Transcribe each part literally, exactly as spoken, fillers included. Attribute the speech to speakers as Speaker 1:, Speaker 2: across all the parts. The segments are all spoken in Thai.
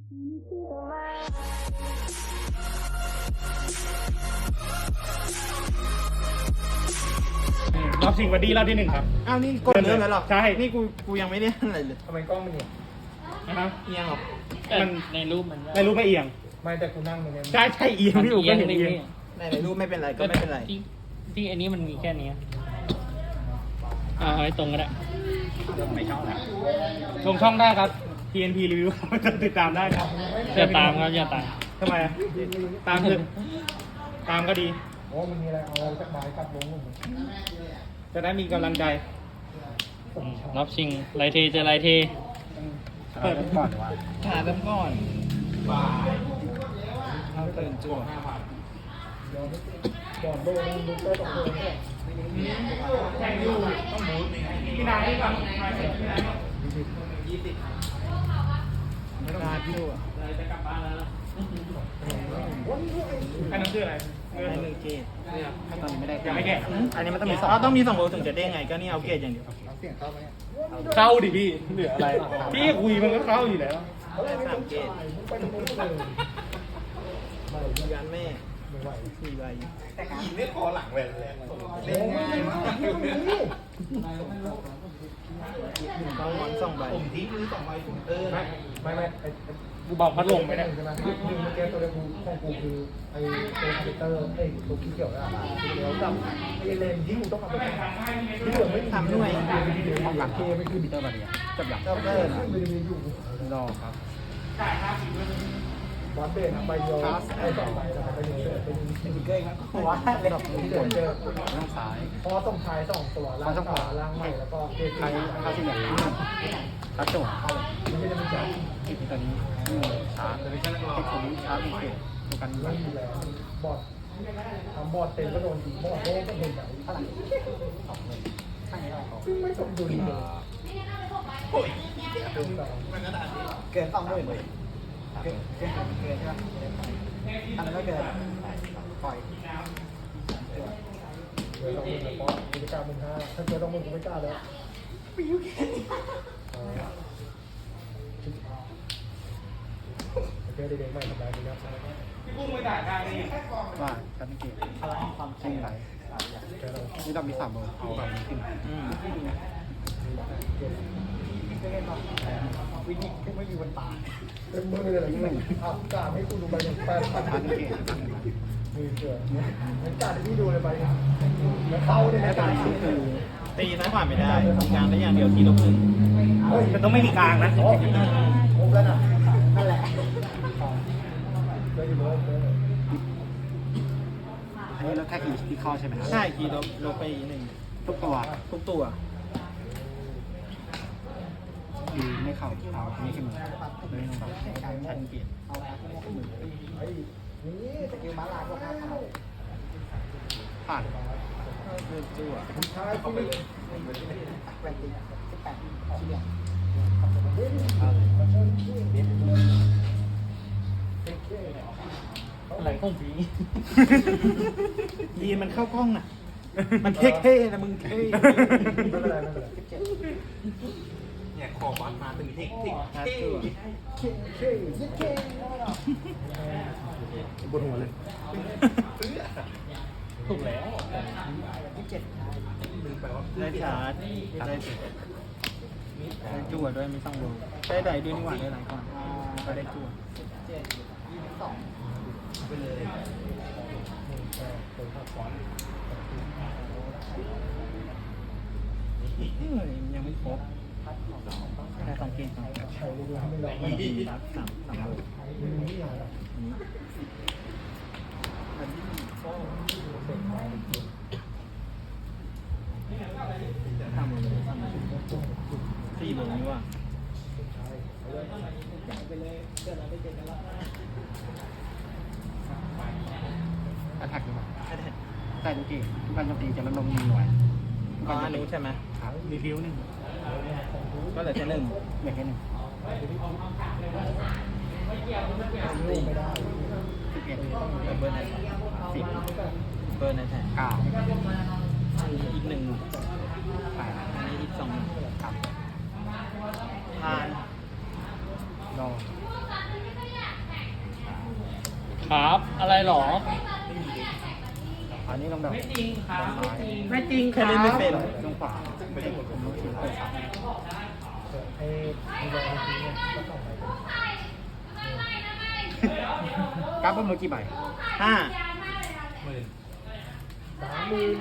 Speaker 1: รอบชิงบัดดี้รอบที่หนึ่งครับ
Speaker 2: อ้าวนี่กดเริ่มแล้วหรอ
Speaker 1: ใช่
Speaker 2: นี่กูกูยังไม่ได้อะไรเลย
Speaker 3: ทำไมกล้องมันเนี่ย
Speaker 1: นะครับ
Speaker 2: เอียงหรอ
Speaker 1: มัน
Speaker 4: ในรูปมัน
Speaker 1: ไม่รู้ไม่เอียง
Speaker 3: ไม่แต่กูนั่งมันเนี่ย
Speaker 1: ใช่ใช่เอียงพี่อู๋ก็เห็นเอียง
Speaker 2: ในในรูปไม่เป็นไรก็ไม่เป็นไร
Speaker 4: ที่ที่อันนี้มันมีแค่นี้อ่าเอาให้ตรงก็ได้
Speaker 1: ไม่ชอบนะชมช่องได้ครับ ที เอ็น พี Review ติดตามได้ครับ
Speaker 4: อย่าตามครับอย่าตาม
Speaker 1: ทำไมอะตามคือตามก็ดี
Speaker 3: โอ้มันมีอะไรเอาจากไม้กลับลงผม
Speaker 1: จะได้มีกำลังใจ
Speaker 4: รอบชิงไลเทเจอไลเท
Speaker 1: เปิด
Speaker 3: ก่อนหรือว่า
Speaker 2: ขาเริ่มก่อนเอาตื่นจั่ว
Speaker 3: ก่อนโดนดูเตอร์สองตัวเนี่ย
Speaker 1: แข่งอยู่ต้องหมูพี่นายให้ก่อน
Speaker 2: ไม่ต้องการจั่ว
Speaker 1: จะกลับบ้านแล้วอันนั้นคืออะไร
Speaker 2: ให้หนึ่งเกตถ้าตอนนี้ไม่ได้
Speaker 1: ยังไม่แกะ
Speaker 2: อันนี้มันต้องมีสองต้องมีสองโลถึงจะได้ไงก็นี่เอาเกตอย่างเดียว
Speaker 3: เสียงเข้าไหมเนี่ย
Speaker 1: เข้าดิพี่เหลืออะไร พี่คุยมันก็เข้าอยู่แล้ว
Speaker 2: ได้สามเกต
Speaker 3: ไปตรงนู้นเลย
Speaker 2: ยันแม่
Speaker 3: ไม่ไหว
Speaker 2: สี่ใบ
Speaker 3: ยิงไม่พอหลังเลย
Speaker 2: เล่นง่ายมากต้องหวังสองใบ
Speaker 3: ผมทิ้งมือสองใบผมเออไม่ไม่ไม่ไอ้
Speaker 1: กูบอกพัดลมไหมเนี่ย
Speaker 3: ใช่ไหมยิงเมื่อกี้ตัวเดียวกูของกูคือไอ้ตัวคอมพิวเตอร์ไอ้ตัวที่เกี่ยวกับเกี่ยวกับไอ้เลนที่กูต้องเอาไปที่เหลือไม่
Speaker 2: ทำหน่วย
Speaker 3: ห้องหลังเคไม่คือบิตเตอร์บาเรียจับหลัง
Speaker 2: เจ้าเกิน
Speaker 3: ไม่ได้มีอยู่รอครับบอสเบนใบเดียวไอ้สองใบแล้วก็ไปเจอเป็นเป็นเกย์ครับว่าเล็กที่เจอเจอล่างซ้ายเพราะต้องท้ายสองตัวล่างขวาล่างใหม่แล้วก็เกย์ใครใครที่เหลือครับจบไม่ได้มีจับที่ตัวนี้ชาร์จเลยใช่ไหมที่ผมชาร์จอีกเกย์ตัวกันไม่ดูแลบอสทำบอสเต็มก็โดนดีบอสโดนก็โดนไหนเท่าไหร่ซึ่งไม่สมดุลเลยเกินสองหมื่นเลยเกินเกินเกินใช่ไหมอันนั้นก็เกินปล่อยเกินสองหมื่นเพราะกิจการมึงห้าถ้าเกินสองหมื่นกูไม่กล้าเลยโอเคเด็กๆใหม่ทำได้ดีครับ
Speaker 1: พี่กุ้งไปด่าทางนี้
Speaker 3: ว่าฉันเก่งพลังความจริงไหลนี่เรามีสามเบอร์เอาแบบนี้ขึ้น
Speaker 2: อืม
Speaker 3: วินิจที่ไม่มีวันตายเป็นมืออะไรอย่างเงี้ยอ่ะกาให้คุณดูใบหนึ่งแปดพันเก่งมือเกิดเหมือนการที่ดูเลยใบแล้วเข้าเนี่ยนะการที่คือ
Speaker 2: ตีซ้ายขวาไม่ได้มีการได้อย่างเดียวทีลบหนึ่ง
Speaker 1: มันต้องไม่มีกลางนะ
Speaker 3: ครบแล้วนะนั่นแหละเลยเลยเลยอันนี้เราแค่กี่ที่ข้อใช่ไหม
Speaker 2: ใช่ทีลบลบไปหนึ่ง
Speaker 3: ทุกตัว
Speaker 2: ทุกตัว
Speaker 3: ดีไม่เข้าเอาอันนี้ขึ้นมาเลยลงแบบชันเปลี่ยนเอาไอ้นี่สกิลมาลาพวกห้าเท่าผ่าน
Speaker 2: เลือกจั่ว
Speaker 3: ใช่ที่ไม่แปดตีสิบแปดชิ้นเดียวอะไรของผี
Speaker 2: ยีนมันเข้ากล้องน่ะ มันเท่ๆนะมึงเท่
Speaker 3: ไม่เป็นไรไม่เป็นไร
Speaker 5: เนี่ยขอบัตรมาเป็นเทคนิค
Speaker 2: หาจั่ว
Speaker 3: เคเคยิดเคบนหัวเลย
Speaker 4: ถูกแล้ว
Speaker 5: ลืมไปว่า
Speaker 2: ได้ชาร์จได้ได้จั่วด้วยมีสองโลได้ใดด้วยนี่หว่าได้หลายก่อนก็ได้จั่ว
Speaker 5: ไปเลย
Speaker 2: เฮ้ยยังไม่ครบได้สองเกมก่อน
Speaker 3: ใช้ลูกไม่ลองไม่ดี
Speaker 2: สามสามสามโล
Speaker 3: นี่อย่างไร
Speaker 2: อันนี้ ทำเลยทำเลยสี่โลนี่ว่า
Speaker 3: แอทแทกดีกว่าแต่จริงๆทุกการโจมตีจะลดลงหนึ่งหน่วย
Speaker 2: อ๋ออันนี้ใช่ไหม
Speaker 1: รีวิวหนึ่ง
Speaker 2: ก็เหลือแค่หนึ่ง
Speaker 3: เหลือแค่หนึ่งสิบเอ็ด
Speaker 2: เบอร์ไหนสิบเบอร์ไหนแทน
Speaker 3: เก้า
Speaker 2: อีกหนึ่ง
Speaker 3: แปด
Speaker 2: อันนี้อีกสอง
Speaker 3: ครับ
Speaker 2: ทาน
Speaker 3: รอ
Speaker 4: ครับ อะไรหรอ
Speaker 3: อันนี้ลงแบบ
Speaker 4: ไม่จริงครับ
Speaker 3: ซ้าย
Speaker 4: ไม่จริง
Speaker 2: แค่เล่นไม่เป็น
Speaker 3: ลงขวาไม่ได้ผมรู้สึกเปิดครับไอ้มีแรงจริงเนี่ยก็ต้องไปกราฟบนมือกี่ใบ
Speaker 2: ห้า
Speaker 3: สามหมื่น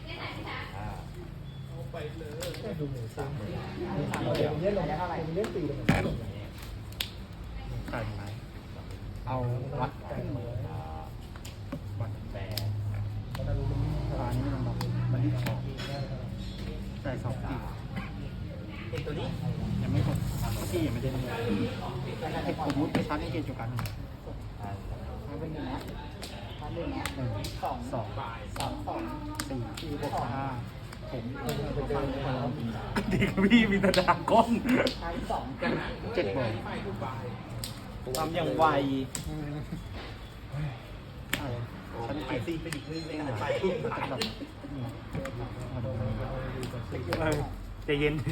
Speaker 3: ดูหมูสามหมื่นเดี๋ยวเล่นลงเท่าไหร่เล่นตีลงมาลงขาดไหมเอาวัดขึ้นมือวัดแต่ตอนนี้มันบอกมันรีบสองใส่สองตีตัวนี้ยังไม่หมดที่ยังไม่ได้เลยไอ้ผมมุดไปชั้นให้เกณฑ์จุกันหนึ่งสองสองสามสองสี่สี่หกห้าผมดีกับพี่มีแต่ดาก้อนเจ็ดบอล
Speaker 2: ทำอย่างไว
Speaker 3: ฉันไปซีไปอีกเรื่องนึงไปแบบ
Speaker 1: ใจเย็น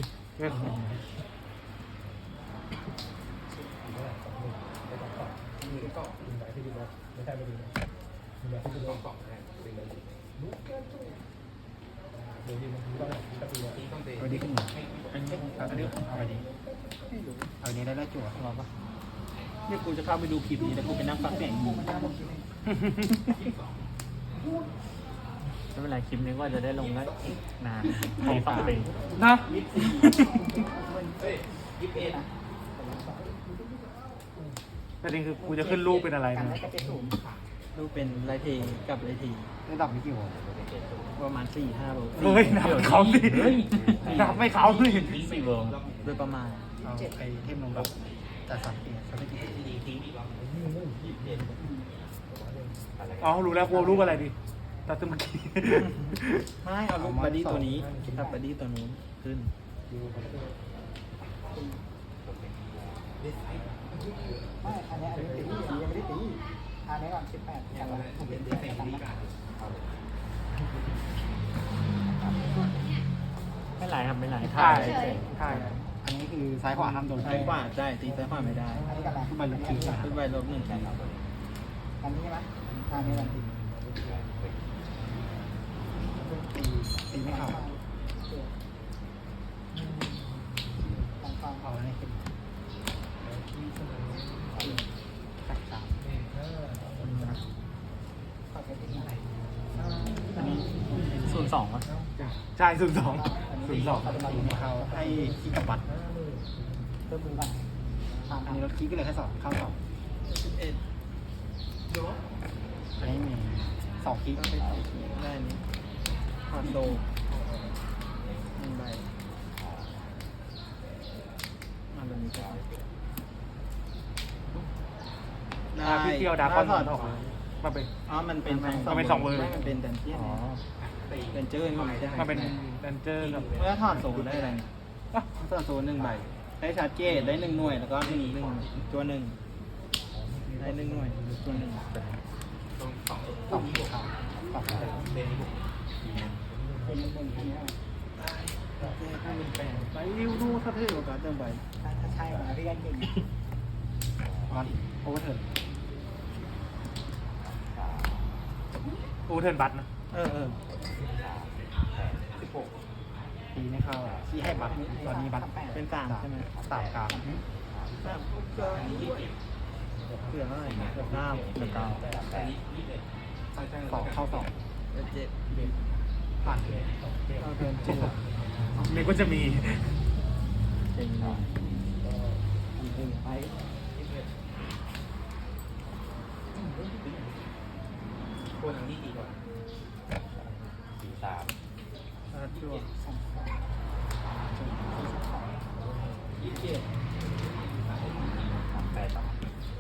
Speaker 3: เอาดีขึ้นมาอันนี้เอาอันนี้เอาอันนี้เอาอันนี้ได้แล้วจั่วรอปะ
Speaker 2: เนี่ยกูจะเข้าไปดูคลิปนี้แล้วกูไปนั่งฟังเสียงมึง
Speaker 4: ไม่เป็นไรคลิปนี้ว่าจะได้ลงได้อีกนานปีสองปี
Speaker 1: นะ ประเด็นคือกูจะขึ้นรูปเป็นอะไรนะ
Speaker 2: รูปเป็นไรเทกับไรที
Speaker 3: ระดับนี้กี่วอล
Speaker 2: ประมาณสี่ห้าโล
Speaker 1: เฮ้ยนับเขาสินับไม่เขาสิ
Speaker 4: สี่เวิร์
Speaker 2: โดยประมาณ
Speaker 3: เอาไอเทมลงแบบแต่สามเกียร์สามเกียร์
Speaker 1: อ๋อรู้แล้วกูเอารูปอะไรดีตัดตัวเมื่อกี้
Speaker 2: ไม่เอารูปบัดดี้ตัวนี้กับบัดดี้ตัวนู้นขึ้น
Speaker 3: ไม่อันนี้อันนี้ตียังไม่ได้ตีอันนี้ก่อนสิบแปดอย่างละผมเป็นเด็กแต่งนี้
Speaker 4: ไม่ไหลครับไม่ไหล
Speaker 1: ใช่
Speaker 4: ถ่าย
Speaker 1: ใช่
Speaker 3: อันนี้คือซ้ายขวาห้ามโดน
Speaker 2: ซ้ายขวาได้ตีซ้ายขวาไม่ได้
Speaker 3: อันนี้กับอะไรมันลงทีนะ
Speaker 2: ขึ้นไปลบหนึ่งครับ
Speaker 3: อันนี้ใช่ไหมอันนี้ลงทีตีตีไม่เข้าเอาอันนี้ขึ้นตัดสามอันนี้
Speaker 4: ศูนย์สองอ่ะ
Speaker 1: ใช่ศูนย์สองศูนย์สอง
Speaker 3: ตีไม่เข้าให้ขี้กับบัตรเพิ่มมือบัตรอันนี้รถขี้ก็เลยแค่สองเข้าสอง
Speaker 2: สิบเอ็ด
Speaker 3: อันนี้มีสองขี้
Speaker 2: ก็ไปต่อได้นี้คอนโดหนึ่งใบมาแบบนี้ก็ได้
Speaker 1: อ่าพี่เที่ยวดาร์คอน
Speaker 2: ถอด
Speaker 1: ออกมามาเป็น
Speaker 2: อ๋อมันเป็นทั้ง
Speaker 1: มันเป็นสองเวอร์
Speaker 2: ไม่มันเป็นดันเจี้ยน
Speaker 1: อ๋อ
Speaker 2: ดันเจอร์ก็ไม่ได้
Speaker 1: มาเป็นดันเจอร์กับ
Speaker 2: เมื่อถอดโซ่ได้อะไรอ่ะถอดโซ่หนึ่งใบ ได้ชาร์จเจตได้หนึ่งหน่วย แล้วก็หนึ่งหนึ่งตัวหนึ่งได้หนึ่งหน่วยตัวหนึ่ง
Speaker 3: สองขาสอง
Speaker 2: ไปริ้วดูถ้าเท่กว่าการเติมใบ
Speaker 3: ถ้าใช่มาพี่กันเก่งวันโอเวอร์เทิร์น
Speaker 1: อูเทิร์นบัตนะ
Speaker 2: เออเออ
Speaker 3: ตีไม่เข้าที่ให้บัตรตอนนี้บัตร
Speaker 2: เป็นสามใช่ไหม
Speaker 3: สามกลาง
Speaker 2: สามก็เผื่อเท่าไหร่เกือบเก้า
Speaker 4: หนึ่งเก้า
Speaker 3: สองเข้าสอง
Speaker 2: เจ็ด
Speaker 3: ผ่าน
Speaker 2: เอาเทิร์นเจ็ด
Speaker 1: นี่ก็จะมี
Speaker 4: เจ๋งเลย
Speaker 3: ไป
Speaker 5: คนทางนี้ดีกว่าสี่สาม
Speaker 2: ชาร์จจั่ว
Speaker 5: ยี่สิบเจ็ดแปดสอง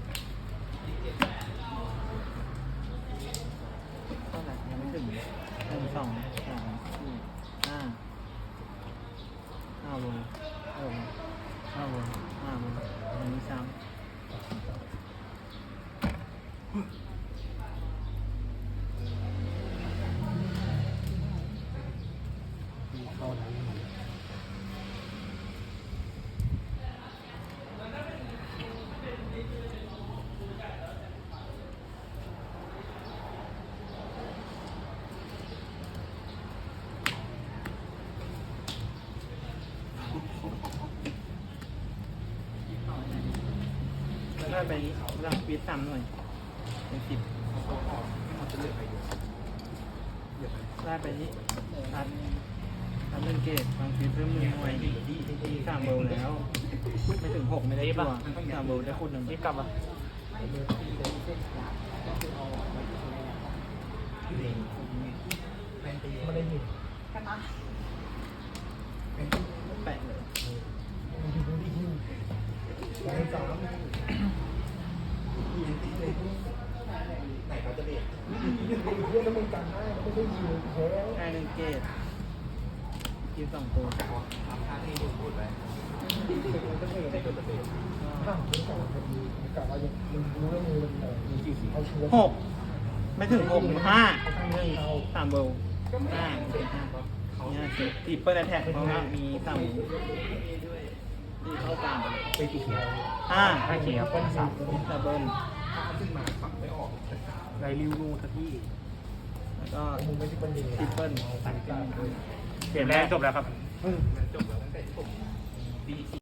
Speaker 2: เท่าไหร่ยังไม่ถึงหนึ่งสองสามสี่ห้าห้าโลห้าโลห้าโลห้าโลอันนี้ซ้ำได้ไปนี้พลังฟีดสามหน่วยเป็นสิบได้ไปนี้อัดอัดหนึ่งเกตบางฟีดเพิ่มหนึ่งหน่วยตีสามเบลแล้ว ไม่ถึงหกไม่ได้ตัวสามเบลได้คูณหนึ่ง
Speaker 4: รีบกลับอ่ะ
Speaker 3: ไม่ได้ยิน
Speaker 2: แปะเลย
Speaker 3: สองสามไหนเขาจะเด็กเรื่องน้ำมันกันได้ไม่ได้ยินแค่
Speaker 2: ได้หนึ่งเกตกินสองตัว
Speaker 3: ห้ามเป็นสองนาทีกะว่ายังมึงรู้แล้วมือมันมีกี่สีเอาชัวร์
Speaker 2: หกไม่ถึงหกห้าหนึ่งสามเบลห้าเนี่ยตีเปิดแท็กเพราะว่ามีสามเบลตีเข้ากลาง
Speaker 3: ไปกี่เขียว
Speaker 2: ห้า
Speaker 4: ห้าเขียว
Speaker 3: เป็นสาม
Speaker 2: ดับเบิล
Speaker 1: ไรริวนูทักที่
Speaker 2: แล้วก็
Speaker 3: มึงไม่ใช่เป็นดี
Speaker 2: ทริปเปิล
Speaker 1: เกมแรกจบแล้วครับ
Speaker 5: ปีสี่